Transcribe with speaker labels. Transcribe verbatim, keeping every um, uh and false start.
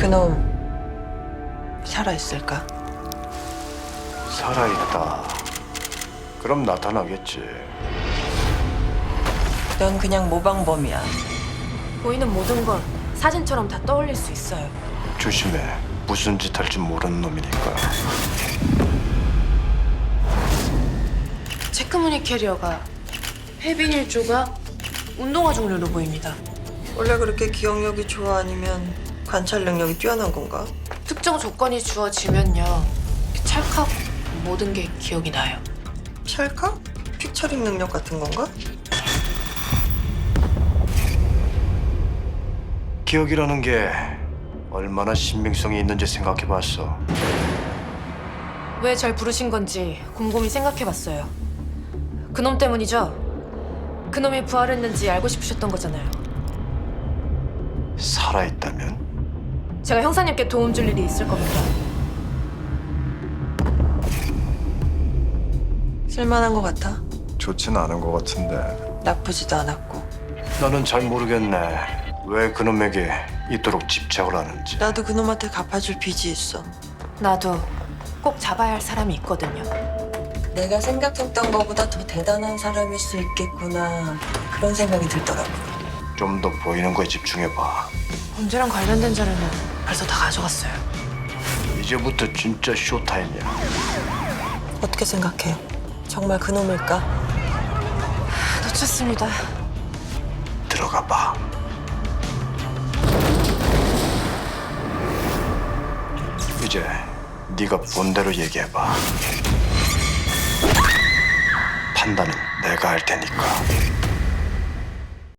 Speaker 1: 그놈 살아있을까?
Speaker 2: 살아있다. 그럼 나타나겠지.
Speaker 1: 넌 그냥 모방범이야.
Speaker 3: 보이는 모든 건 사진처럼 다 떠올릴 수 있어요.
Speaker 2: 조심해. 무슨 짓 할지 모르는 놈이니까.
Speaker 3: 체크무늬 캐리어가 해빈 일조가 운동화 종류로 보입니다.
Speaker 1: 원래 그렇게 기억력이 좋아 아니면 관찰 능력이 뛰어난 건가?
Speaker 3: 특정 조건이 주어지면요, 찰칵 모든 게 기억이 나요.
Speaker 1: 찰칵? 픽처링 능력 같은 건가?
Speaker 2: 기억이라는 게 얼마나 신빙성이 있는지 생각해봤어.
Speaker 3: 왜 절 부르신 건지 곰곰이 생각해봤어요. 그놈 때문이죠? 그놈이 부활했는지 알고 싶으셨던 거잖아요.
Speaker 2: 살아있다면?
Speaker 3: 제가 형사님께 도움 줄 일이 있을 겁니다.
Speaker 1: 쓸만한 것 같아.
Speaker 2: 좋진 않은 것 같은데.
Speaker 1: 나쁘지도 않았고.
Speaker 2: 나는 잘 모르겠네. 왜 그놈에게 이토록 집착을 하는지.
Speaker 1: 나도 그놈한테 갚아줄 빚이 있어.
Speaker 3: 나도 꼭 잡아야 할 사람이 있거든요.
Speaker 1: 내가 생각했던 것보다 더 대단한 사람일 수 있겠구나. 그런 생각이 들더라고.
Speaker 2: 좀 더 보이는 거에 집중해봐.
Speaker 3: 범죄랑 관련된 자료는 벌써 다 가져갔어요.
Speaker 2: 이제부터 진짜 쇼타임이야.
Speaker 1: 어떻게 생각해? 정말 그놈일까?
Speaker 3: 놓쳤습니다.
Speaker 2: 들어가 봐. 이제 네가 본 대로 얘기해봐. 판단은 내가 할 테니까.